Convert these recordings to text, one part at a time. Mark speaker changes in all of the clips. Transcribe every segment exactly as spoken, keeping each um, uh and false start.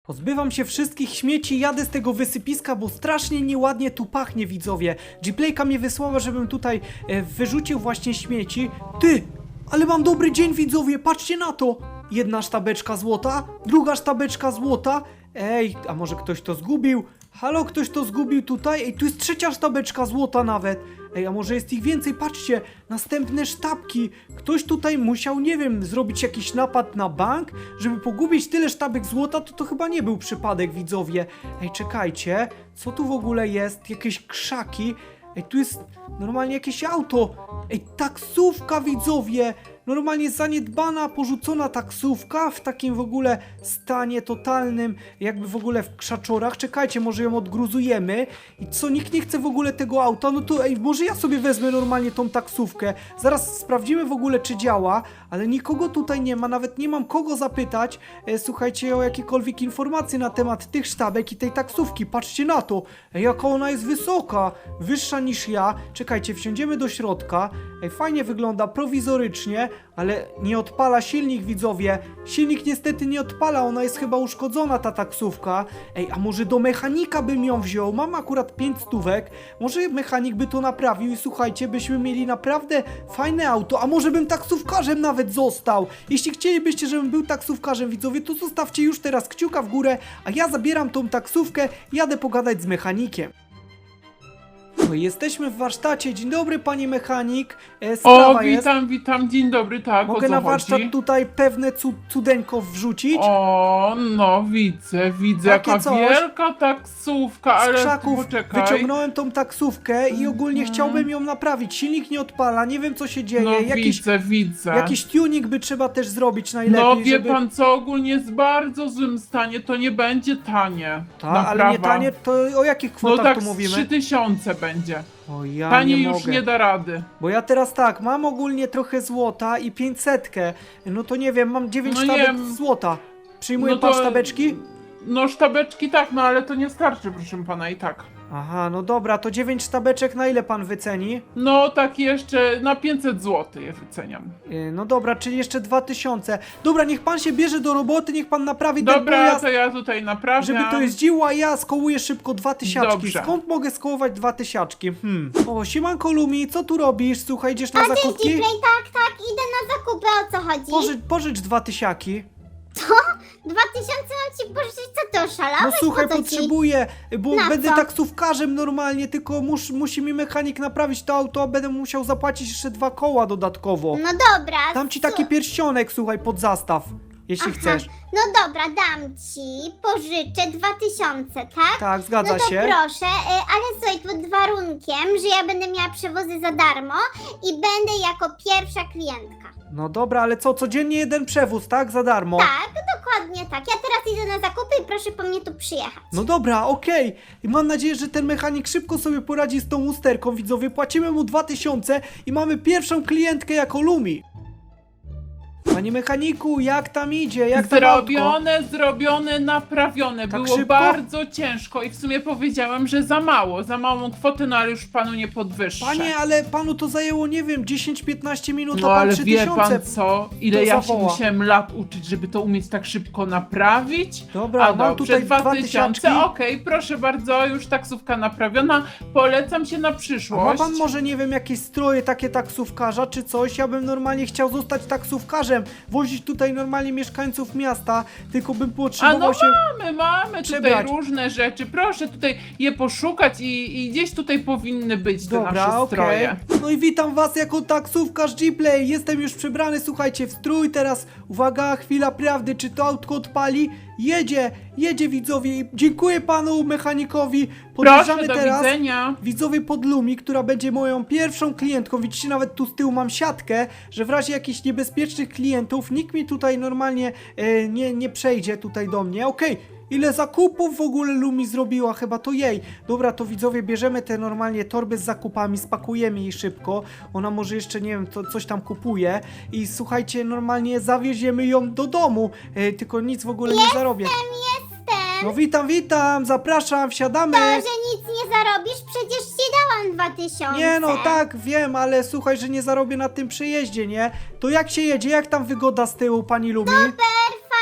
Speaker 1: Pozbywam się wszystkich śmieci, jadę z tego wysypiska, bo strasznie nieładnie tu pachnie, widzowie. Gplayka mnie wysłała, żebym tutaj e, wyrzucił właśnie śmieci. Ty, ale mam dobry dzień, widzowie, patrzcie na to. Jedna sztabeczka złota, druga sztabeczka złota. Ej, a może ktoś to zgubił? Halo, ktoś to zgubił tutaj? Ej, tu jest trzecia sztabeczka złota nawet. Ej, a może jest ich więcej? Patrzcie, następne sztabki. Ktoś tutaj musiał, nie wiem, zrobić jakiś napad na bank, żeby pogubić tyle sztabek złota, to to chyba nie był przypadek, widzowie. Ej, czekajcie, co tu w ogóle jest? Jakieś krzaki? Ej, tu jest normalnie jakieś auto. Ej, taksówka, widzowie. Normalnie zaniedbana, porzucona taksówka w takim w ogóle stanie totalnym, jakby w ogóle w krzaczorach. Czekajcie, może ją odgruzujemy. I co, nikt nie chce w ogóle tego auta? No to ej, może ja sobie wezmę normalnie tą taksówkę. Zaraz sprawdzimy w ogóle, czy działa, ale nikogo tutaj nie ma, nawet nie mam kogo zapytać, e, słuchajcie, o jakiekolwiek informacje na temat tych sztabek i tej taksówki. Patrzcie na to. Ej, jaka ona jest wysoka, wyższa niż ja. Czekajcie, wsiądziemy do środka. Ej, fajnie wygląda, prowizorycznie, ale nie odpala silnik, widzowie. Silnik niestety nie odpala, ona jest chyba uszkodzona, ta taksówka. Ej, a może do mechanika bym ją wziął? Mam akurat pięć stówek. Może mechanik by to naprawił i słuchajcie, byśmy mieli naprawdę fajne auto. A może bym taksówkarzem nawet został? Jeśli chcielibyście, żebym był taksówkarzem, widzowie, to zostawcie już teraz kciuka w górę, a ja zabieram tą taksówkę i jadę pogadać z mechanikiem. No, jesteśmy w warsztacie. Dzień dobry, panie mechanik. E, sprawa
Speaker 2: O,
Speaker 1: jest.
Speaker 2: witam, witam, dzień dobry, tak,
Speaker 1: Mogę
Speaker 2: o co
Speaker 1: na warsztat
Speaker 2: chodzi?
Speaker 1: tutaj pewne cu cudeńko wrzucić?
Speaker 2: O, no widzę, widzę,
Speaker 1: Takie
Speaker 2: jaka
Speaker 1: coś.
Speaker 2: wielka taksówka,
Speaker 1: Z
Speaker 2: ale
Speaker 1: krzaków
Speaker 2: poczekaj.
Speaker 1: wyciągnąłem tą taksówkę i ogólnie
Speaker 2: Mhm.
Speaker 1: chciałbym ją naprawić. Silnik nie odpala, nie wiem co się dzieje.
Speaker 2: No
Speaker 1: jakiś,
Speaker 2: widzę, widzę.
Speaker 1: jakiś tuning by trzeba też zrobić najlepiej,
Speaker 2: No wie
Speaker 1: żeby...
Speaker 2: pan co, ogólnie jest w bardzo złym stanie, to nie będzie tanie.
Speaker 1: Ta, ale nie tanie, to o jakich
Speaker 2: No
Speaker 1: kwotach
Speaker 2: tak
Speaker 1: tu
Speaker 2: z
Speaker 1: mówimy?
Speaker 2: trzy tysiące będzie.
Speaker 1: O, ja
Speaker 2: Taniej
Speaker 1: nie
Speaker 2: już
Speaker 1: mogę.
Speaker 2: nie da rady.
Speaker 1: Bo ja teraz tak, mam ogólnie trochę złota i pięćsetkę. No to nie wiem, mam dziewięć
Speaker 2: No nie
Speaker 1: sztabek
Speaker 2: wiem.
Speaker 1: złota. Przyjmuje
Speaker 2: No
Speaker 1: pan
Speaker 2: to-
Speaker 1: sztabeczki?
Speaker 2: No sztabeczki tak, no ale to nie starczy, proszę pana, i tak.
Speaker 1: Aha, no dobra, to dziewięć sztabeczek na ile pan wyceni?
Speaker 2: No tak jeszcze na pięćset złotych je wyceniam.
Speaker 1: Yy, no dobra, czyli jeszcze dwa tysiące. Dobra, niech pan się bierze do roboty, niech pan naprawi ten
Speaker 2: Dobra,
Speaker 1: pojazd,
Speaker 2: to ja tutaj naprawiam.
Speaker 1: żeby to jeździło, a ja skołuję szybko dwa tysiaczki.
Speaker 2: Dobrze.
Speaker 1: Skąd mogę skołować dwa tysiaczki? Hmm. O, siemanko Lumi, co tu robisz? Słuchaj, idziesz na
Speaker 3: A cześć
Speaker 1: zakupki?
Speaker 3: Gplay, tak, tak, idę na zakupy, o co chodzi?
Speaker 1: Pożycz, pożycz dwa tysiaki.
Speaker 3: Dwa tysiące mam ci pożyczyć, co ty oszalałeś?
Speaker 1: No słuchaj,
Speaker 3: po co ci?
Speaker 1: potrzebuję, bo
Speaker 3: Na
Speaker 1: będę
Speaker 3: co?
Speaker 1: taksówkarzem normalnie, tylko mus, musi mi mechanik naprawić to auto, a będę musiał zapłacić jeszcze dwa koła dodatkowo.
Speaker 3: No dobra.
Speaker 1: Dam ci
Speaker 3: su-
Speaker 1: taki pierścionek, słuchaj, pod zastaw, jeśli
Speaker 3: Aha,
Speaker 1: chcesz.
Speaker 3: No dobra, dam ci, pożyczę dwa tysiące, tak?
Speaker 1: Tak, zgadza
Speaker 3: no to
Speaker 1: się.
Speaker 3: proszę, y, ale słuchaj, pod warunkiem, że ja będę miała przewozy za darmo i będę jako pierwsza klientka.
Speaker 1: No dobra, ale co, codziennie jeden przewóz, tak? Za darmo.
Speaker 3: Tak, dokładnie tak. Ja teraz idę na zakupy i proszę po mnie tu przyjechać.
Speaker 1: No dobra, okej. I mam nadzieję, że ten mechanik szybko sobie poradzi z tą usterką, widzowie. Płacimy mu dwa tysiące i mamy pierwszą klientkę jako Lumi. Panie mechaniku, jak tam idzie? Jak tam autko?
Speaker 2: Zrobione, zrobione, naprawione.
Speaker 1: Tak
Speaker 2: Było
Speaker 1: szybko?
Speaker 2: bardzo ciężko i w sumie powiedziałem, że za mało, za małą kwotę, no ale już panu nie podwyższę.
Speaker 1: Panie, ale panu to zajęło, nie wiem, dziesięć piętnaście minut,
Speaker 2: no
Speaker 1: a pan
Speaker 2: ale
Speaker 1: trzy
Speaker 2: wie
Speaker 1: tysiące.
Speaker 2: pan co, ile
Speaker 1: to
Speaker 2: ja się
Speaker 1: zawoła.
Speaker 2: musiałem lat uczyć, żeby to umieć tak szybko naprawić?
Speaker 1: Dobra,
Speaker 2: A
Speaker 1: mam
Speaker 2: dobrze,
Speaker 1: tutaj dwa
Speaker 2: dwa
Speaker 1: tysiączki.
Speaker 2: tysiące, okej, proszę bardzo, już taksówka naprawiona, polecam się na
Speaker 1: A ma
Speaker 2: przyszłość.
Speaker 1: pan może, nie wiem, jakieś stroje takie taksówkarza czy coś? Ja bym normalnie chciał zostać taksówkarzem, wozić tutaj normalnie mieszkańców miasta, tylko bym
Speaker 2: A
Speaker 1: potrzebował
Speaker 2: no
Speaker 1: się...
Speaker 2: mamy, mamy
Speaker 1: przebrać.
Speaker 2: tutaj różne rzeczy, proszę tutaj je poszukać i, i gdzieś tutaj powinny być te
Speaker 1: Dobra,
Speaker 2: nasze
Speaker 1: okej.
Speaker 2: stroje.
Speaker 1: No i witam was jako taksówkarz Gplay. Jestem już przebrany, słuchajcie, w strój. Teraz uwaga, chwila prawdy, czy to autko odpali? Jedzie, jedzie, widzowie. I dziękuję panu mechanikowi.
Speaker 2: Proszę,
Speaker 1: Podjeżdżamy
Speaker 2: do
Speaker 1: teraz,
Speaker 2: widzenia.
Speaker 1: widzowie, pod Lumi, która będzie moją pierwszą klientką. Widzicie, nawet tu z tyłu mam siatkę, że w razie jakichś niebezpiecznych klientów nikt mi tutaj normalnie e, nie, nie przejdzie tutaj do mnie. Okej. Ile zakupów w ogóle Lumi zrobiła, chyba to jej. Dobra, to widzowie, bierzemy te normalnie torby z zakupami, spakujemy jej szybko. Ona może jeszcze, nie wiem, to coś tam kupuje. I słuchajcie, normalnie zawieziemy ją do domu. E, tylko nic w ogóle nie zarobię.
Speaker 3: Jestem.
Speaker 1: No witam, witam, zapraszam, wsiadamy.
Speaker 3: To, że nic nie zarobisz, przecież ci dałam dwa tysiące.
Speaker 1: Nie no, tak, wiem, ale słuchaj, że nie zarobię na tym przejeździe, nie? To jak się jedzie, jak tam wygoda z tyłu, pani Lumi?
Speaker 3: Super, fajnie,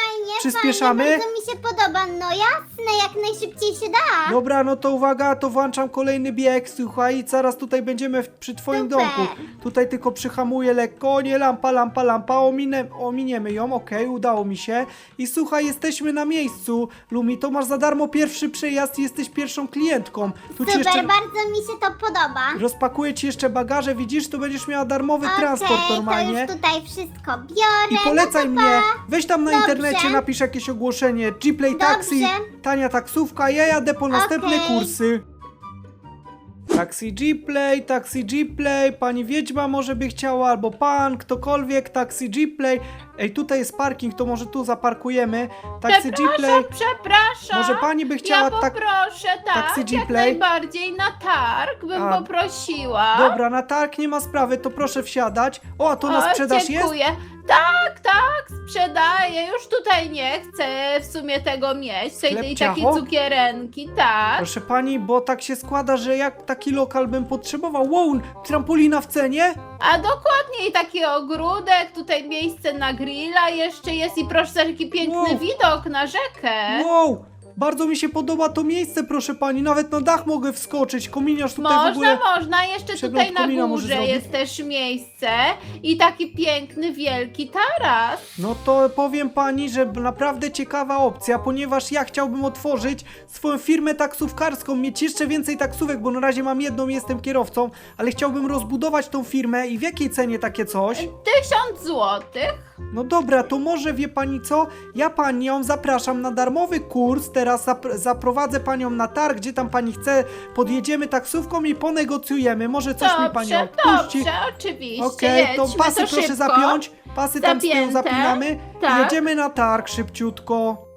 Speaker 1: Przyspieszamy?
Speaker 3: Fajnie, bardzo mi się podoba, no jasne, jak najszybciej się da.
Speaker 1: Dobra, no to uwaga, to włączam kolejny bieg, słuchaj, i zaraz tutaj będziemy w, przy twoim
Speaker 3: Super.
Speaker 1: domku. Tutaj tylko przyhamuję lekko, o nie, lampa, lampa, lampa, ominę, ominiemy ją, okej, udało mi się. I słuchaj, jesteśmy na miejscu, Lumi, to masz za darmo pierwszy przejazd i jesteś pierwszą klientką. Tu ci
Speaker 3: Super,
Speaker 1: jeszcze
Speaker 3: bardzo mi się to podoba.
Speaker 1: rozpakuję ci jeszcze bagaże, widzisz, to będziesz miała darmowy
Speaker 3: Okej,
Speaker 1: transport normalnie.
Speaker 3: to już tutaj wszystko biorę.
Speaker 1: I polecaj
Speaker 3: no to
Speaker 1: mnie,
Speaker 3: pa.
Speaker 1: weź tam na
Speaker 3: Dobrze.
Speaker 1: internecie, napisz jakieś ogłoszenie, G-Play Taxi,
Speaker 3: Dobrze.
Speaker 1: tania taksówka, ja jadę po następne
Speaker 3: Okej.
Speaker 1: kursy. Taxi G-Play, Taxi G-Play, pani Wiedźma może by chciała, albo pan, ktokolwiek, Taxi G-Play. Ej, tutaj jest parking, to może tu zaparkujemy. Taxi G-Play.
Speaker 4: Przepraszam, przepraszam.
Speaker 1: Może pani by chciała
Speaker 4: Ja
Speaker 1: tak...
Speaker 4: poproszę, tak,
Speaker 1: taksy
Speaker 4: jak
Speaker 1: G-Play?
Speaker 4: najbardziej na targ bym
Speaker 1: A,
Speaker 4: poprosiła.
Speaker 1: Dobra, na targ nie ma sprawy, to proszę wsiadać. O, a to na
Speaker 4: O,
Speaker 1: sprzedaż jest?
Speaker 4: dziękuję. Tak, tak, sprzedaję. Już tutaj nie chcę w sumie tego mieć. Tej,
Speaker 1: Chleb,
Speaker 4: tej takiej
Speaker 1: ciacho?
Speaker 4: cukierenki, tak.
Speaker 1: Proszę pani, bo tak się składa, że jak taki lokal bym potrzebował. Wow, trampolina w cenie?
Speaker 4: A dokładniej taki ogródek, tutaj miejsce na grilla jeszcze jest i proszę, taki piękny
Speaker 1: Wow.
Speaker 4: widok na rzekę.
Speaker 1: Wow, bardzo mi się podoba to miejsce, proszę pani. Nawet na dach mogę wskoczyć. Kominiarz tutaj
Speaker 4: Można,
Speaker 1: w ogóle...
Speaker 4: można. Jeszcze
Speaker 1: przegląd
Speaker 4: tutaj na
Speaker 1: komina może
Speaker 4: górze
Speaker 1: zrobić?
Speaker 4: jest też miejsce i taki piękny, wielki taras.
Speaker 1: No to powiem pani, że naprawdę ciekawa opcja, ponieważ ja chciałbym otworzyć swoją firmę taksówkarską, mieć jeszcze więcej taksówek, bo na razie mam jedną, jestem kierowcą, ale chciałbym rozbudować tą firmę i w jakiej cenie takie coś?
Speaker 4: Tysiąc złotych.
Speaker 1: No dobra, to może wie pani co? Ja panią zapraszam na darmowy kurs, teraz zap zaprowadzę panią na targ, gdzie tam pani chce, podjedziemy taksówką i ponegocjujemy, może coś mi pani
Speaker 4: Dobrze,
Speaker 1: odpuści.
Speaker 4: dobrze, oczywiście.
Speaker 1: Okej, to
Speaker 4: jedźmy,
Speaker 1: pasy
Speaker 4: to
Speaker 1: proszę
Speaker 4: szybko.
Speaker 1: zapiąć, pasy tam z tyłu
Speaker 4: Zapięte,
Speaker 1: zapinamy i
Speaker 4: tak.
Speaker 1: jedziemy na targ szybciutko.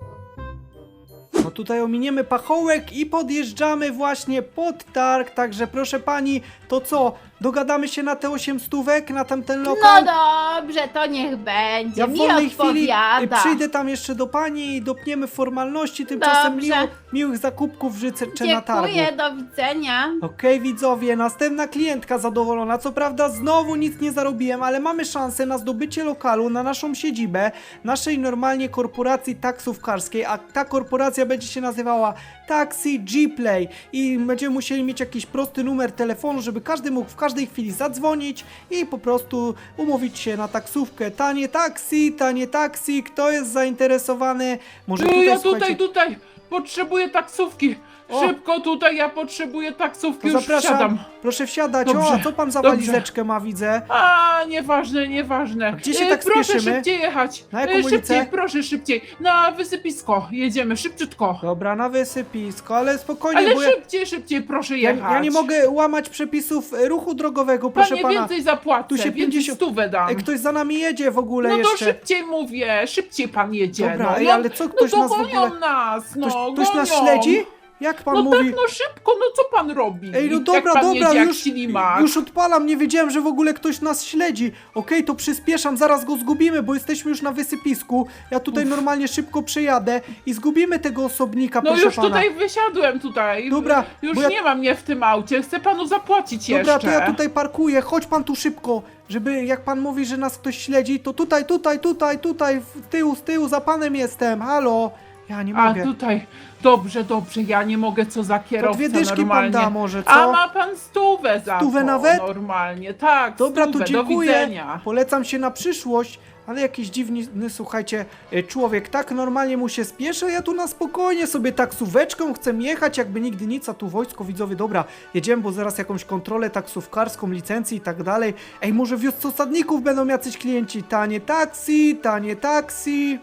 Speaker 1: No tutaj ominiemy pachołek i podjeżdżamy właśnie pod targ, także proszę pani, to co, dogadamy się na te osiem stówek, na tamten
Speaker 4: No
Speaker 1: lokal?
Speaker 4: dobrze, to niech będzie.
Speaker 1: Ja w
Speaker 4: Mi
Speaker 1: wolnej chwili y,
Speaker 4: odpowiada.
Speaker 1: przyjdę tam jeszcze do pani i dopniemy formalności, tymczasem
Speaker 4: Dobrze.
Speaker 1: miło, miłych zakupków życzę na targu.
Speaker 4: Dziękuję, do widzenia.
Speaker 1: Okej, widzowie, następna klientka zadowolona. Co prawda znowu nic nie zarobiłem, ale mamy szansę na zdobycie lokalu na naszą siedzibę, naszej normalnie korporacji taksówkarskiej, a ta korporacja będzie się nazywała Taxi G-Play i będziemy musieli mieć jakiś prosty numer telefonu, żeby każdy mógł w każdej chwili zadzwonić i po prostu umówić się na taksówkę. Tanie taksi, tanie taksi, kto jest zainteresowany? Może
Speaker 2: Ty,
Speaker 1: tutaj,
Speaker 2: ja tutaj,
Speaker 1: słuchajcie,
Speaker 2: tutaj potrzebuję taksówki.
Speaker 1: O.
Speaker 2: Szybko tutaj, ja potrzebuję taksówki,
Speaker 1: to
Speaker 2: już
Speaker 1: zapraszam,
Speaker 2: wsiadam.
Speaker 1: proszę wsiadać.
Speaker 2: Dobrze,
Speaker 1: O, a co pan za
Speaker 2: dobrze.
Speaker 1: walizeczkę ma, widzę?
Speaker 2: A, nieważne, nieważne.
Speaker 1: gdzie się
Speaker 2: E,
Speaker 1: tak
Speaker 2: proszę
Speaker 1: spieszymy?
Speaker 2: szybciej jechać.
Speaker 1: Na jaką
Speaker 2: E,
Speaker 1: ulicę?
Speaker 2: Szybciej, proszę szybciej. Na wysypisko jedziemy, szybciutko.
Speaker 1: Dobra, na wysypisko, ale spokojnie,
Speaker 2: Ale
Speaker 1: bo ja,
Speaker 2: szybciej, szybciej, proszę
Speaker 1: ja,
Speaker 2: jechać.
Speaker 1: ja nie mogę łamać przepisów e, ruchu drogowego, proszę
Speaker 2: Panie,
Speaker 1: pana.
Speaker 2: więcej zapłacę,
Speaker 1: Tu się
Speaker 2: więcej
Speaker 1: pięćdziesiąt
Speaker 2: stówę dam.
Speaker 1: Ej, ktoś za nami jedzie w ogóle
Speaker 2: No to
Speaker 1: jeszcze.
Speaker 2: szybciej mówię, szybciej pan jedzie.
Speaker 1: Dobra,
Speaker 2: no,
Speaker 1: ej,
Speaker 2: no,
Speaker 1: ale co, ktoś
Speaker 2: no
Speaker 1: nas
Speaker 2: to
Speaker 1: w
Speaker 2: gonią
Speaker 1: ogóle-
Speaker 2: nas, no,
Speaker 1: Ktoś, ktoś nas
Speaker 2: gonią.
Speaker 1: śledzi? Jak pan
Speaker 2: No
Speaker 1: mówi?
Speaker 2: tak, no szybko, no co pan robi?
Speaker 1: Ej, no
Speaker 2: Jak
Speaker 1: dobra,
Speaker 2: pan
Speaker 1: dobra,
Speaker 2: jedzie jak
Speaker 1: już,
Speaker 2: ślimak.
Speaker 1: już odpalam, nie wiedziałem, że w ogóle ktoś nas śledzi. Okej, to przyspieszam, zaraz go zgubimy, bo jesteśmy już na wysypisku. Ja tutaj normalnie szybko przejadę i zgubimy tego osobnika,
Speaker 2: No
Speaker 1: proszę
Speaker 2: już
Speaker 1: pana.
Speaker 2: tutaj wysiadłem tutaj.
Speaker 1: Dobra,
Speaker 2: Już
Speaker 1: bo ja-
Speaker 2: nie ma mnie w tym aucie, chcę panu zapłacić
Speaker 1: Dobra,
Speaker 2: jeszcze.
Speaker 1: to ja tutaj parkuję, chodź pan tu szybko, żeby jak pan mówi, że nas ktoś śledzi, to tutaj, tutaj, tutaj, tutaj, w tyłu, z tyłu, za panem jestem, halo. Ja nie
Speaker 2: A
Speaker 1: mogę.
Speaker 2: tutaj, dobrze, dobrze, ja nie mogę, co za
Speaker 1: To
Speaker 2: kierowca
Speaker 1: dwie dyszki
Speaker 2: normalnie.
Speaker 1: pan da może, co?
Speaker 2: A ma pan stówę za
Speaker 1: Stówę
Speaker 2: to,
Speaker 1: nawet?
Speaker 2: normalnie, tak,
Speaker 1: Dobra, to
Speaker 2: stówę,
Speaker 1: dziękuję.
Speaker 2: do widzenia.
Speaker 1: Polecam się na przyszłość, ale jakiś dziwny, słuchajcie, e, człowiek tak normalnie mu się spieszy, a ja tu na spokojnie sobie taksóweczką chcę jechać, jakby nigdy nic, a tu wojsko widzowie, dobra, jedziemy, bo zaraz jakąś kontrolę taksówkarską, licencję i tak dalej. Ej, może w wiosce osadników będą jacyś klienci, tanie taksi, tanie taksi.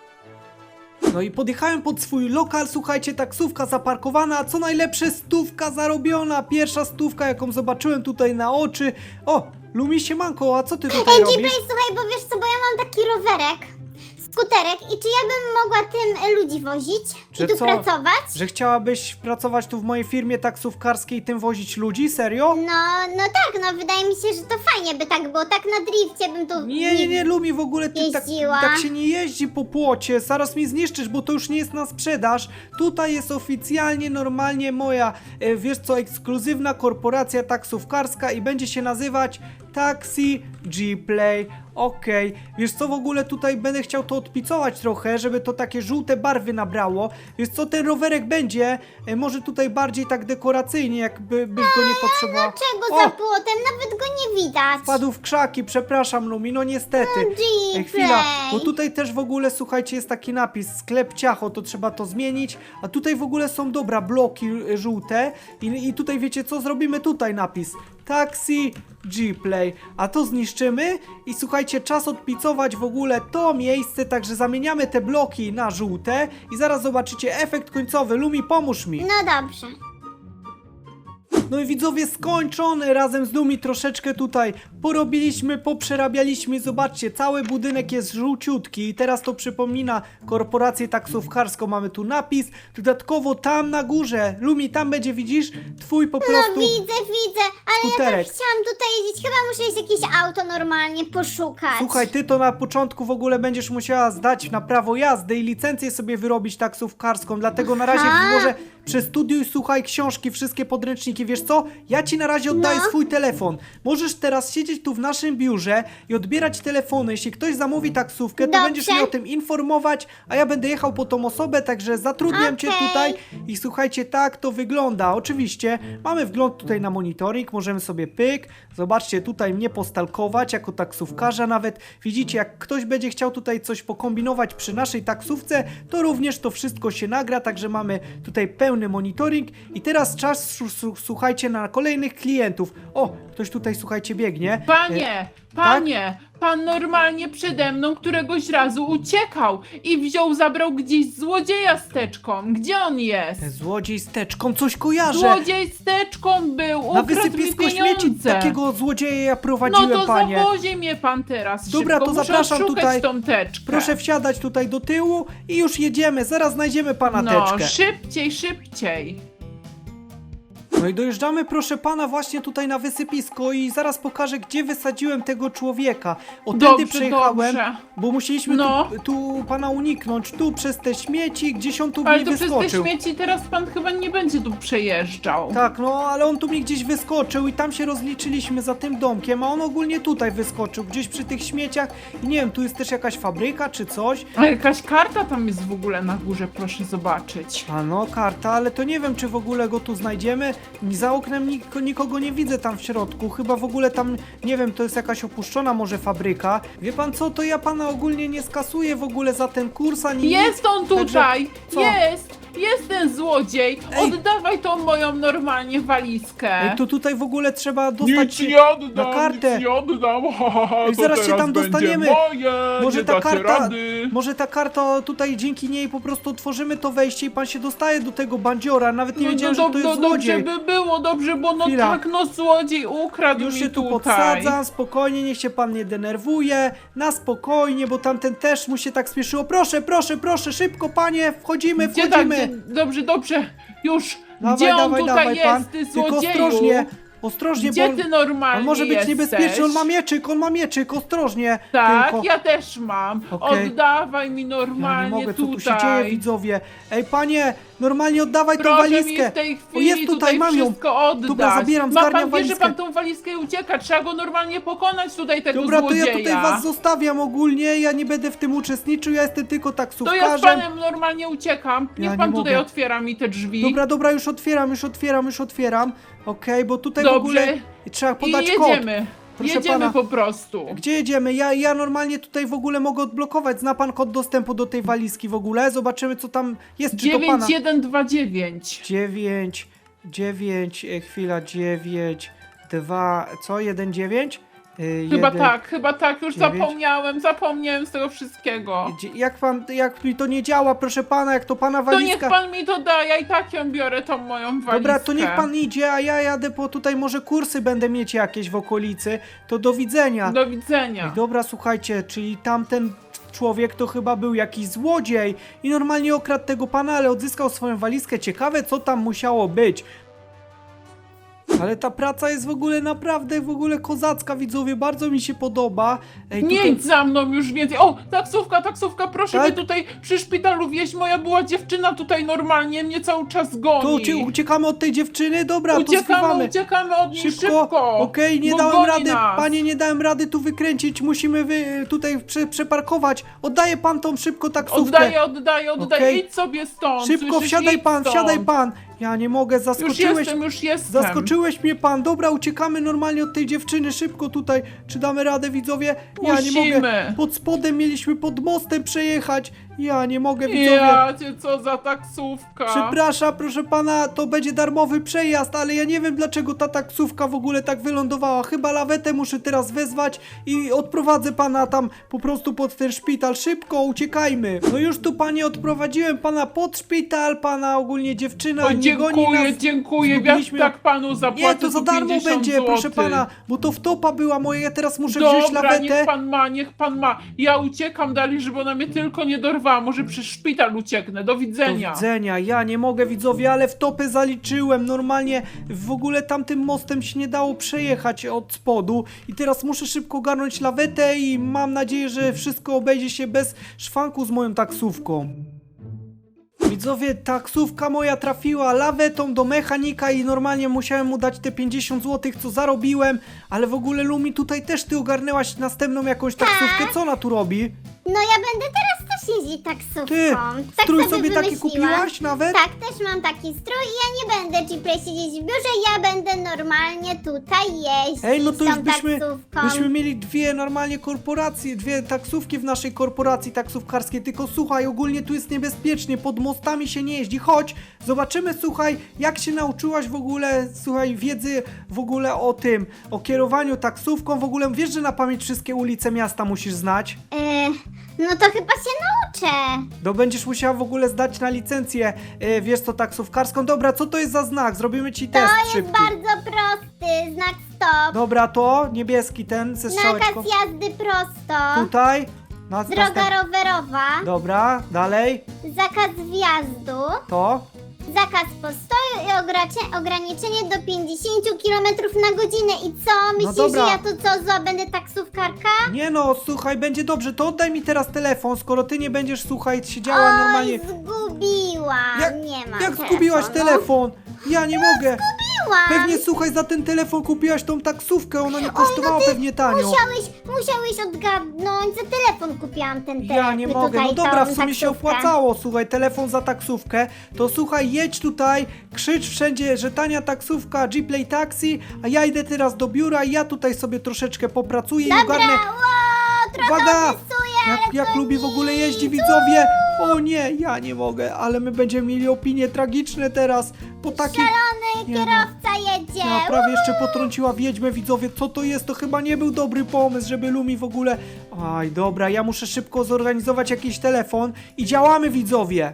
Speaker 1: No i podjechałem pod swój lokal, słuchajcie, taksówka zaparkowana, a co najlepsze, stówka zarobiona, pierwsza stówka, jaką zobaczyłem tutaj na oczy. O, Lumi, siemanko, a co ty tutaj
Speaker 3: Ej,
Speaker 1: robisz?
Speaker 3: G-Play, słuchaj, bo wiesz co, bo ja mam taki rowerek, skuterek i czy ja bym mogła tym e, ludzi wozić
Speaker 1: Że
Speaker 3: i tu
Speaker 1: co?
Speaker 3: pracować?
Speaker 1: Że chciałabyś pracować tu w mojej firmie taksówkarskiej i tym wozić ludzi? Serio?
Speaker 3: No, no tak, no wydaje mi się, że to fajnie by tak było, tak na drifcie bym tu...
Speaker 1: Nie, nie, nie, Lumi, w ogóle ty tak,
Speaker 3: Jeździła.
Speaker 1: tak się nie jeździ po płocie, zaraz mi zniszczysz, bo to już nie jest na sprzedaż. Tutaj jest oficjalnie, normalnie moja, e, wiesz co, ekskluzywna korporacja taksówkarska i będzie się nazywać Taxi G-Play. Okej, wiesz co, w ogóle tutaj będę chciał to odpicować trochę, żeby to takie żółte barwy nabrało. Wiesz co, ten rowerek będzie e, może tutaj bardziej tak dekoracyjnie, jakby byś go nie potrzebował.
Speaker 3: Czego
Speaker 1: O!
Speaker 3: za płotem? Nawet go nie widać.
Speaker 1: Wpadł w krzaki, przepraszam Lumi, no niestety.
Speaker 3: Gplay.
Speaker 1: Ej, chwila, bo tutaj też w ogóle, słuchajcie, jest taki napis, sklep Ciacho, to trzeba to zmienić, a tutaj w ogóle są, dobra, bloki y, żółte i, i tutaj wiecie co, zrobimy tutaj napis, Taxi Gplay, a to zniszczymy i słuchajcie, czas odpicować w ogóle to miejsce, także zamieniamy te bloki na żółte i zaraz zobaczycie efekt końcowy. Lumi, pomóż mi.
Speaker 3: No dobrze.
Speaker 1: No i widzowie, skończony, razem z Lumi troszeczkę tutaj porobiliśmy, poprzerabialiśmy, zobaczcie, cały budynek jest żółciutki i teraz to przypomina korporację taksówkarską, mamy tu napis, dodatkowo tam na górze, Lumi, tam będzie, widzisz, twój po
Speaker 3: No
Speaker 1: prostu
Speaker 3: widzę, widzę, ale ja
Speaker 1: skuterek.
Speaker 3: tak chciałam tutaj jeździć, chyba muszę iść jakieś auto normalnie poszukać.
Speaker 1: Słuchaj, ty to na początku w ogóle będziesz musiała zdać na prawo jazdy i licencję sobie wyrobić taksówkarską, dlatego na razie
Speaker 3: Aha.
Speaker 1: może przestudiuj, słuchaj książki, wszystkie podręczniki, wiesz co? Ja ci na razie oddaję
Speaker 3: No.
Speaker 1: swój telefon. Możesz teraz siedzieć tu w naszym biurze i odbierać telefony. Jeśli ktoś zamówi taksówkę, to
Speaker 3: Dobrze.
Speaker 1: będziesz mnie o tym informować, a ja będę jechał po tą osobę, także zatrudniam cię
Speaker 3: Okej.
Speaker 1: tutaj i słuchajcie, tak to wygląda. Oczywiście mamy wgląd tutaj na monitoring, możemy sobie pyk, zobaczcie, tutaj mnie postalkować jako taksówkarza nawet. Widzicie, jak ktoś będzie chciał tutaj coś pokombinować przy naszej taksówce, to również to wszystko się nagra, także mamy tutaj pełny monitoring i teraz czas, su- su- słuchajcie, na kolejnych klientów. O, ktoś tutaj, słuchajcie, biegnie. E,
Speaker 2: Panie, panie, pan normalnie przede mną któregoś razu uciekał i wziął, zabrał gdzieś złodzieja z teczką. Gdzie on jest?
Speaker 1: E, Złodziej z teczką, coś kojarzę.
Speaker 2: Złodziej z teczką był,
Speaker 1: Na
Speaker 2: ukradł mi
Speaker 1: wysypisku śmieci
Speaker 2: pieniądze.
Speaker 1: takiego złodzieja ja
Speaker 2: No
Speaker 1: prowadziłem,
Speaker 2: to
Speaker 1: panie.
Speaker 2: zawozi mnie pan teraz
Speaker 1: Dobra,
Speaker 2: szybko.
Speaker 1: to
Speaker 2: Muszę
Speaker 1: zapraszam
Speaker 2: odszukać
Speaker 1: tutaj.
Speaker 2: tą teczkę.
Speaker 1: Proszę wsiadać tutaj do tyłu i już jedziemy, zaraz znajdziemy pana
Speaker 2: No,
Speaker 1: teczkę.
Speaker 2: szybciej, szybciej.
Speaker 1: No i dojeżdżamy, proszę pana, właśnie tutaj na wysypisko i zaraz pokażę, gdzie wysadziłem tego człowieka. O, tędy
Speaker 2: Dobrze,
Speaker 1: przejechałem,
Speaker 2: dobrze.
Speaker 1: bo musieliśmy
Speaker 2: No.
Speaker 1: tu, tu pana uniknąć, tu przez te śmieci, gdzieś on tu
Speaker 2: Ale
Speaker 1: mi
Speaker 2: to przez te
Speaker 1: wyskoczył.
Speaker 2: śmieci teraz pan chyba nie będzie tu przejeżdżał.
Speaker 1: Tak, no, ale on tu mi gdzieś wyskoczył i tam się rozliczyliśmy za tym domkiem, a on ogólnie tutaj wyskoczył, gdzieś przy tych śmieciach. I nie wiem, tu jest też jakaś fabryka czy coś.
Speaker 2: A jakaś karta tam jest w ogóle na górze, proszę zobaczyć.
Speaker 1: A no, karta, ale to nie wiem, czy w ogóle go tu znajdziemy. Za oknem nik nikogo nie widzę tam w środku. Chyba w ogóle tam, nie wiem, to jest jakaś opuszczona może fabryka. Wie pan co, to ja pana ogólnie nie skasuję w ogóle za ten kurs, ani
Speaker 2: Jest on
Speaker 1: Także-
Speaker 2: tutaj!
Speaker 1: co?
Speaker 2: Jest! Jest ten złodziej!
Speaker 1: Ej.
Speaker 2: Oddawaj tą moją normalnie walizkę!
Speaker 1: Ej, to tutaj w ogóle trzeba dostać
Speaker 5: Nic
Speaker 1: się
Speaker 5: nie oddam,
Speaker 1: na kartę.
Speaker 5: nic nie oddam, ha, ha, ha,
Speaker 1: Ej,
Speaker 5: to
Speaker 1: zaraz się
Speaker 5: teraz
Speaker 1: tam
Speaker 5: będzie
Speaker 1: dostaniemy.
Speaker 5: Moje,
Speaker 1: Może
Speaker 5: nie
Speaker 1: ta
Speaker 5: dacie
Speaker 1: karta,
Speaker 5: rady.
Speaker 1: może ta karta tutaj dzięki niej po prostu otworzymy to wejście i pan się dostaje do tego bandziora. Nawet nie
Speaker 2: No,
Speaker 1: wiedziałem,
Speaker 2: no,
Speaker 1: że to
Speaker 2: no,
Speaker 1: jest
Speaker 2: dobrze
Speaker 1: złodziej.
Speaker 2: by było, dobrze, bo no
Speaker 1: Chwila.
Speaker 2: tak, no złodziej ukradł
Speaker 1: Już
Speaker 2: mi
Speaker 1: się tu
Speaker 2: tutaj.
Speaker 1: podsadzam, spokojnie, niech się pan nie denerwuje, na spokojnie, bo tamten też mu się tak spieszyło. Proszę, proszę, proszę, szybko panie, wchodzimy,
Speaker 2: Gdzie tak,
Speaker 1: wchodzimy.
Speaker 2: gdzie, dobrze, dobrze, już!
Speaker 1: Dawaj,
Speaker 2: Gdzie on
Speaker 1: dawaj,
Speaker 2: tutaj
Speaker 1: dawaj,
Speaker 2: jest,
Speaker 1: pan.
Speaker 2: ty
Speaker 1: Tylko
Speaker 2: złodzieju?
Speaker 1: ostrożnie, ostrożnie,
Speaker 2: Gdzie
Speaker 1: bo
Speaker 2: ty
Speaker 1: on,
Speaker 2: normalnie
Speaker 1: on może być
Speaker 2: jesteś?
Speaker 1: niebezpieczny, on ma mieczyk, on ma mieczyk, ostrożnie.
Speaker 2: Tak,
Speaker 1: tylko.
Speaker 2: ja też mam.
Speaker 1: Okej.
Speaker 2: Oddawaj mi
Speaker 1: Ja
Speaker 2: normalnie
Speaker 1: nie mogę, co
Speaker 2: tutaj.
Speaker 1: tu się dzieje, widzowie. Ej, panie, normalnie oddawaj tą
Speaker 2: Proszę mi
Speaker 1: walizkę.
Speaker 2: w tej
Speaker 1: O,
Speaker 2: chwili
Speaker 1: jest tutaj,
Speaker 2: tutaj
Speaker 1: mam ją.
Speaker 2: wszystko oddać.
Speaker 1: Dobra, zabieram,
Speaker 2: Ma
Speaker 1: zgarniam
Speaker 2: pan wie, że
Speaker 1: walizkę.
Speaker 2: pan tą walizkę i ucieka. Trzeba go normalnie pokonać tutaj, tego
Speaker 1: Dobra, to
Speaker 2: złodzieja.
Speaker 1: ja tutaj was zostawiam ogólnie, ja nie będę w tym uczestniczył, ja jestem tylko
Speaker 2: To
Speaker 1: taksówkarzem.
Speaker 2: ja z panem normalnie uciekam. Niech
Speaker 1: Ja
Speaker 2: pan
Speaker 1: nie
Speaker 2: tutaj
Speaker 1: mogę.
Speaker 2: otwiera mi te drzwi.
Speaker 1: Dobra, dobra, już otwieram, już otwieram, już otwieram. Okej, bo tutaj w
Speaker 2: Dobrze.
Speaker 1: ogóle trzeba
Speaker 2: I
Speaker 1: podać kod.
Speaker 2: jedziemy.
Speaker 1: Proszę
Speaker 2: jedziemy
Speaker 1: pana.
Speaker 2: po prostu.
Speaker 1: Gdzie jedziemy? Ja, ja normalnie tutaj w ogóle mogę odblokować. Zna pan kod dostępu do tej walizki w ogóle? Zobaczymy, co tam jest. Czy to pana?
Speaker 2: dziewięć jeden dwa dziewięć.
Speaker 1: dziewięć, dziewięć, e, chwila, dziewięć, dwa, co? jeden, dziewięć? Y,
Speaker 2: Chyba
Speaker 1: jeden,
Speaker 2: tak, chyba tak. Już
Speaker 1: dziewięć.
Speaker 2: zapomniałem, zapomniałem z tego wszystkiego.
Speaker 1: Dzie- Jak pan, jak mi to nie działa, proszę pana, jak to pana
Speaker 2: To niech
Speaker 1: walizka...
Speaker 2: pan mi to da, ja i tak ją biorę, tą moją walizkę.
Speaker 1: Dobra, to niech pan idzie, a ja jadę po tutaj, może kursy będę mieć jakieś w okolicy. To do widzenia.
Speaker 2: Do widzenia.
Speaker 1: Ej, dobra, słuchajcie, czyli tamten człowiek to chyba był jakiś złodziej i normalnie okradł tego pana, ale odzyskał swoją walizkę. Ciekawe, co tam musiało być. Ale ta praca jest w ogóle naprawdę w ogóle kozacka, widzowie, bardzo mi się podoba. Ej,
Speaker 2: Nie
Speaker 1: tutaj-
Speaker 2: idź za mną już więcej. O, taksówka, taksówka, proszę
Speaker 1: Tak?
Speaker 2: mnie tutaj przy szpitalu wieźć. Moja była dziewczyna tutaj normalnie, mnie cały czas
Speaker 1: To
Speaker 2: goni.
Speaker 1: ucie uciekamy od tej dziewczyny? Dobra, to
Speaker 2: Uciekamy,
Speaker 1: zwiewamy.
Speaker 2: uciekamy od niej
Speaker 1: Szybko,
Speaker 2: szybko.
Speaker 1: okej, nie
Speaker 2: bo
Speaker 1: dałem
Speaker 2: goni
Speaker 1: rady,
Speaker 2: nas.
Speaker 1: panie, nie dałem rady tu wykręcić, musimy wy, tutaj prze, przeparkować. Oddaje pan tą szybko taksówkę.
Speaker 2: Oddaję, oddaję, oddaję.
Speaker 1: Okej.
Speaker 2: Idź sobie stąd.
Speaker 1: Szybko,
Speaker 2: słyszysz?
Speaker 1: wsiadaj
Speaker 2: Idź
Speaker 1: pan,
Speaker 2: stąd.
Speaker 1: wsiadaj pan. Ja nie mogę,
Speaker 2: Już
Speaker 1: zaskoczyłeś.
Speaker 2: jestem, już jestem.
Speaker 1: Zaskoczyłeś mnie pan, dobra, uciekamy normalnie od tej dziewczyny, szybko tutaj. Czy damy radę, widzowie? Ja nie mogę.
Speaker 2: Musimy.
Speaker 1: Pod spodem mieliśmy pod mostem przejechać. Ja nie mogę, widzowie.
Speaker 2: Ja cię, co za taksówka.
Speaker 1: Przepraszam, proszę pana, to będzie darmowy przejazd, ale ja nie wiem dlaczego ta taksówka w ogóle tak wylądowała. Chyba lawetę muszę teraz wezwać i odprowadzę pana tam po prostu pod ten szpital. Szybko, uciekajmy. No już tu panie odprowadziłem pana pod szpital, pana ogólnie dziewczyna
Speaker 2: O,
Speaker 1: nie goni
Speaker 2: dziękuję,
Speaker 1: nas.
Speaker 2: dziękuję. Ja
Speaker 1: Zgubiliśmy-
Speaker 2: tak panu zapłacę.
Speaker 1: Nie, to za
Speaker 2: po
Speaker 1: darmo
Speaker 2: pięćdziesiąt
Speaker 1: będzie, proszę
Speaker 2: złotych.
Speaker 1: pana, bo to wtopa była moja, ja teraz muszę wziąć
Speaker 2: Dobra,
Speaker 1: lawetę.
Speaker 2: niech pan ma, niech pan ma. Ja uciekam dalej, żeby ona mnie tylko nie dorwała. Może przez szpital ucieknę. Do
Speaker 1: Do
Speaker 2: widzenia.
Speaker 1: widzenia, ja nie mogę, widzowie, ale wtopy zaliczyłem. Normalnie w ogóle tamtym mostem się nie dało przejechać od spodu i teraz muszę szybko ogarnąć lawetę i mam nadzieję, że wszystko obejdzie się bez szwanku z moją taksówką. Widzowie, taksówka moja trafiła lawetą do mechanika i normalnie musiałem mu dać te pięćdziesiąt złotych, co zarobiłem, ale w ogóle Lumi, tutaj też ty ogarnęłaś następną jakąś taksówkę, co ona tu robi?
Speaker 3: No ja będę teraz też jeździć taksówką.
Speaker 1: Ty,
Speaker 3: tak
Speaker 1: strój
Speaker 3: sobie
Speaker 1: sobie taki
Speaker 3: wymyśliłam.
Speaker 1: kupiłaś nawet?
Speaker 3: Tak, też mam taki strój i ja nie będę G-Play siedzieć w biurze, ja będę normalnie tutaj jeździć
Speaker 1: Ej, no to
Speaker 3: tą
Speaker 1: już byśmy,
Speaker 3: taksówką.
Speaker 1: byśmy mieli dwie normalnie korporacje, dwie taksówki w naszej korporacji taksówkarskiej, tylko słuchaj, ogólnie tu jest niebezpiecznie, pod mostami się nie jeździ, chodź, zobaczymy, słuchaj, jak się nauczyłaś w ogóle, słuchaj, wiedzy w ogóle o tym, o kierowaniu taksówką, w ogóle wiesz, że na pamięć wszystkie ulice miasta musisz znać?
Speaker 3: E, no to chyba się nauczę.
Speaker 1: No będziesz musiała w ogóle zdać na licencję, e, wiesz co, taksówkarską, dobra, co to jest za znak, zrobimy ci test
Speaker 3: To jest
Speaker 1: szybki.
Speaker 3: bardzo prosty, znak stop.
Speaker 1: Dobra, to niebieski ten ze strzałeczką.
Speaker 3: Nakaz jazdy prosto.
Speaker 1: Tutaj. Na,
Speaker 3: Droga
Speaker 1: następ-
Speaker 3: rowerowa.
Speaker 1: Dobra, dalej.
Speaker 3: Zakaz wjazdu.
Speaker 1: To.
Speaker 3: Zakaz postoju i ogracie- ograniczenie do pięćdziesiąt kilometrów na godzinę. I co? Myślisz,
Speaker 1: dobra.
Speaker 3: że ja tu co, za będę taksówkarka?
Speaker 1: Nie no, słuchaj, będzie dobrze. To oddaj mi teraz telefon, skoro ty nie będziesz, słuchaj, siedziała
Speaker 3: Oj,
Speaker 1: normalnie.
Speaker 3: zgubiłam.
Speaker 1: Jak,
Speaker 3: nie mam
Speaker 1: jak
Speaker 3: telefonu.
Speaker 1: zgubiłaś telefon? Ja nie mogę.
Speaker 3: Zgubiłam.
Speaker 1: Pewnie, słuchaj, za ten telefon kupiłaś tą taksówkę, ona nie kosztowała
Speaker 3: no ty
Speaker 1: pewnie tanio.
Speaker 3: Musiałeś, musiałeś odgadnąć, za telefon kupiłam ten telefon.
Speaker 1: Ja nie mogę, no
Speaker 3: tutaj,
Speaker 1: dobra,
Speaker 3: tą
Speaker 1: w sumie się
Speaker 3: taksówkę.
Speaker 1: opłacało, słuchaj, telefon za taksówkę, to słuchaj, jedź tutaj, krzycz wszędzie, że tania taksówka, G-Play Taxi, a ja idę teraz do biura i ja tutaj sobie troszeczkę popracuję i ogarnę.
Speaker 3: Wow, trochę
Speaker 1: Uwaga!
Speaker 3: opisuję,
Speaker 1: Jak,
Speaker 3: ale
Speaker 1: jak
Speaker 3: to
Speaker 1: lubi w ogóle jeździ, widzowie! O nie, ja nie mogę, ale my będziemy mieli opinie tragiczne teraz, po takiej...
Speaker 3: szalony
Speaker 1: Nie no.
Speaker 3: kierowca jedzie.
Speaker 1: Ja prawie jeszcze potrąciła wiedźmę, widzowie, co to jest? To chyba nie był dobry pomysł, żeby Lumi w ogóle... Aj, dobra, ja muszę szybko zorganizować jakiś telefon i działamy, widzowie!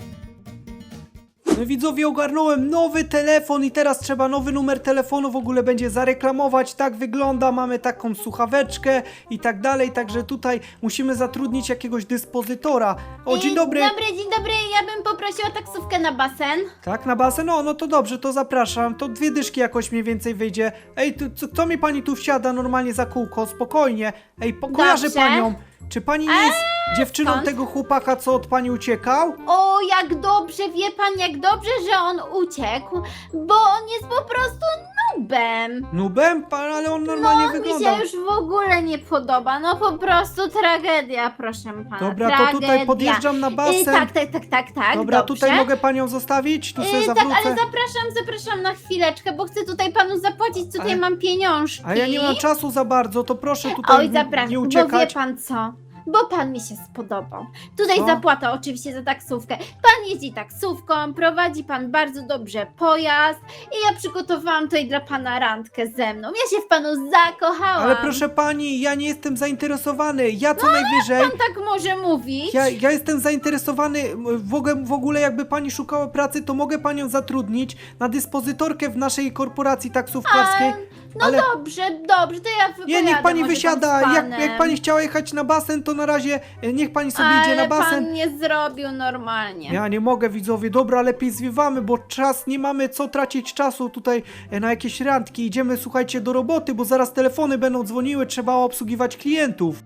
Speaker 1: No widzowie, ogarnąłem nowy telefon i teraz trzeba nowy numer telefonu w ogóle będzie zareklamować, tak wygląda, mamy taką słuchaweczkę i tak dalej, także tutaj musimy zatrudnić jakiegoś dyspozytora. O, dzień dobry!
Speaker 4: Dzień dobry, dzień dobry. Ja bym poprosiła taksówkę na basen.
Speaker 1: Tak, na basen? No, no to dobrze, to zapraszam. To dwie dyszki jakoś mniej więcej wyjdzie. Ej, tu, co, co mi pani tu wsiada normalnie za kółko? Spokojnie. Ej, po, kojarzę
Speaker 4: Dobrze.
Speaker 1: panią. Czy pani nie jest dziewczyną
Speaker 4: skąd?
Speaker 1: tego chłopaka, co od pani uciekał?
Speaker 4: O, jak dobrze, wie pan, jak dobrze, że on uciekł, bo on jest po prostu nubem.
Speaker 1: Nubem? Pan, ale on normalnie
Speaker 4: No, mi
Speaker 1: wygląda.
Speaker 4: się już w ogóle nie podoba, no po prostu tragedia, proszę pana.
Speaker 1: Dobra,
Speaker 4: tragedia.
Speaker 1: to tutaj podjeżdżam na basen.
Speaker 4: Y, tak, tak, tak, tak, tak,
Speaker 1: Dobra,
Speaker 4: dobrze.
Speaker 1: tutaj mogę panią zostawić? Tu sobie
Speaker 4: Y, tak,
Speaker 1: zawrócę.
Speaker 4: ale zapraszam, zapraszam na chwileczkę, bo chcę tutaj panu zapłacić, tutaj
Speaker 1: Ale-
Speaker 4: mam pieniążki.
Speaker 1: A ja nie mam czasu za bardzo, to proszę tutaj
Speaker 4: Oj,
Speaker 1: n-
Speaker 4: zapraszam,
Speaker 1: nie
Speaker 4: bo wie
Speaker 1: uciekać.
Speaker 4: pan co? Bo pan mi się spodobał. Tutaj
Speaker 1: Co?
Speaker 4: zapłata oczywiście za taksówkę. Pan jeździ taksówką, prowadzi pan bardzo dobrze pojazd i ja przygotowałam tutaj dla pana randkę ze mną. Ja się w panu zakochałam.
Speaker 1: Ale proszę pani, ja nie jestem zainteresowany. Ja co najwyżej...
Speaker 4: Pan tak może mówić?
Speaker 1: Ja, ja jestem zainteresowany, w ogóle, w ogóle jakby pani szukała pracy, to mogę panią zatrudnić na dyspozytorkę w naszej korporacji taksówkarskiej.
Speaker 4: No
Speaker 1: ale...
Speaker 4: dobrze, dobrze, to ja wypowiadam.
Speaker 1: Nie, niech pani
Speaker 4: może tam
Speaker 1: wysiada,
Speaker 4: z
Speaker 1: jak,
Speaker 4: panem.
Speaker 1: jak pani chciała jechać na basen, to na razie e, niech pani sobie
Speaker 4: Ale
Speaker 1: idzie na basen.
Speaker 4: pan nie zrobił normalnie.
Speaker 1: Ja nie mogę, widzowie, dobra, lepiej zwiewamy, bo czas, nie mamy co tracić czasu tutaj e, na jakieś randki. Idziemy, słuchajcie, do roboty, bo zaraz telefony będą dzwoniły, trzeba obsługiwać klientów.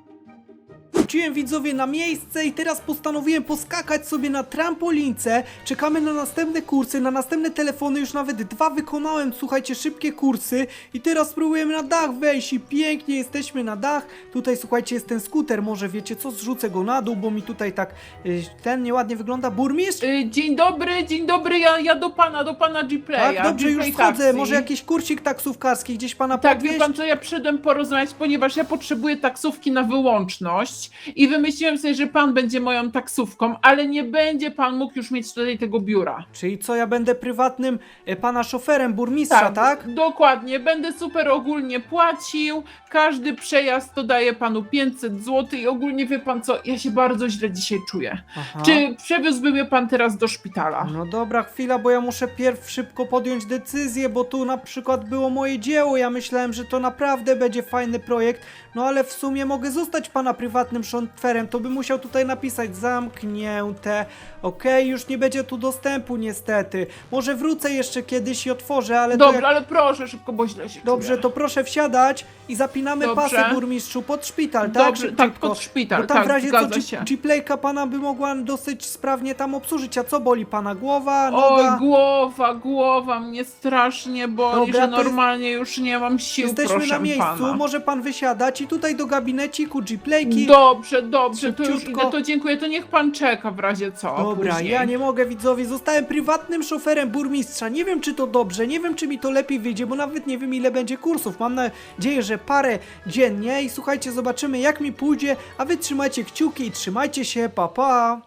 Speaker 1: Wróciłem, widzowie, na miejsce i teraz postanowiłem poskakać sobie na trampolince. Czekamy na następne kursy, na następne telefony, już nawet dwa wykonałem, słuchajcie, szybkie kursy. I teraz spróbujemy na dach wejść i pięknie jesteśmy na dach. Tutaj, słuchajcie, jest ten skuter, może wiecie co, zrzucę go na dół, bo mi tutaj tak y, ten nieładnie wygląda. Burmistrz?
Speaker 2: Y, dzień dobry, dzień dobry, ja, ja do pana, do pana G-Playa.
Speaker 1: Tak, dobrze, już
Speaker 2: G-Play
Speaker 1: wchodzę.
Speaker 2: taxi.
Speaker 1: Może jakiś kursik taksówkarski gdzieś pana
Speaker 2: Tak,
Speaker 1: podwieźć?
Speaker 2: wie pan co, ja przyszedłem porozmawiać, ponieważ ja potrzebuję taksówki na wyłączność i wymyśliłem sobie, że pan będzie moją taksówką, ale nie będzie pan mógł już mieć tutaj tego biura.
Speaker 1: Czyli co, ja będę prywatnym e, pana szoferem burmistrza, tak?
Speaker 2: Dokładnie, będę super ogólnie płacił, każdy przejazd to daje panu pięćset złotych i ogólnie wie pan co, ja się bardzo źle dzisiaj czuję.
Speaker 1: Aha.
Speaker 2: Czy przewiózłby mnie pan teraz do szpitala?
Speaker 1: No dobra, chwila, bo ja muszę pierw szybko podjąć decyzję, bo tu na przykład było moje dzieło, ja myślałem, że to naprawdę będzie fajny projekt, no ale w sumie mogę zostać pana prywatnym szoferem, to bym musiał tutaj napisać zamknięte, okej, już nie będzie tu dostępu niestety, może wrócę jeszcze kiedyś i otworzę, ale to
Speaker 2: Dobra,
Speaker 1: jak...
Speaker 2: ale proszę szybko, bo źle się
Speaker 1: Dobrze,
Speaker 2: czuję.
Speaker 1: to proszę wsiadać i zapinamy
Speaker 2: Dobrze.
Speaker 1: pasy, burmistrzu, pod szpital, tak?
Speaker 2: Dobrze, tak,
Speaker 1: Szybciutko.
Speaker 2: pod szpital,
Speaker 1: Bo tam
Speaker 2: tak,
Speaker 1: w razie co
Speaker 2: zgadza się.
Speaker 1: G- G-Playka pana by mogła dosyć sprawnie tam obsłużyć, a co boli pana? Głowa,
Speaker 2: Oj,
Speaker 1: noga?
Speaker 2: głowa, głowa mnie strasznie boli,
Speaker 1: Dobra,
Speaker 2: że
Speaker 1: to jest-
Speaker 2: normalnie już nie mam sił,
Speaker 1: Jesteśmy
Speaker 2: proszę
Speaker 1: na miejscu,
Speaker 2: pana.
Speaker 1: może pan wysiadać i tutaj do gabineciku G-Playki.
Speaker 2: Dobrze, dobrze, to już
Speaker 1: Szybciutko.
Speaker 2: idę, to dziękuję, to niech pan czeka w razie co.
Speaker 1: Dobra,
Speaker 2: później.
Speaker 1: ja nie mogę, widzowie, zostałem prywatnym szoferem burmistrza, nie wiem czy to dobrze, nie wiem czy mi to lepiej wyjdzie, bo nawet nie wiem ile będzie kursów, mam nadzieję, że parę dziennie i słuchajcie, zobaczymy jak mi pójdzie, a wy trzymajcie kciuki i trzymajcie się, pa pa!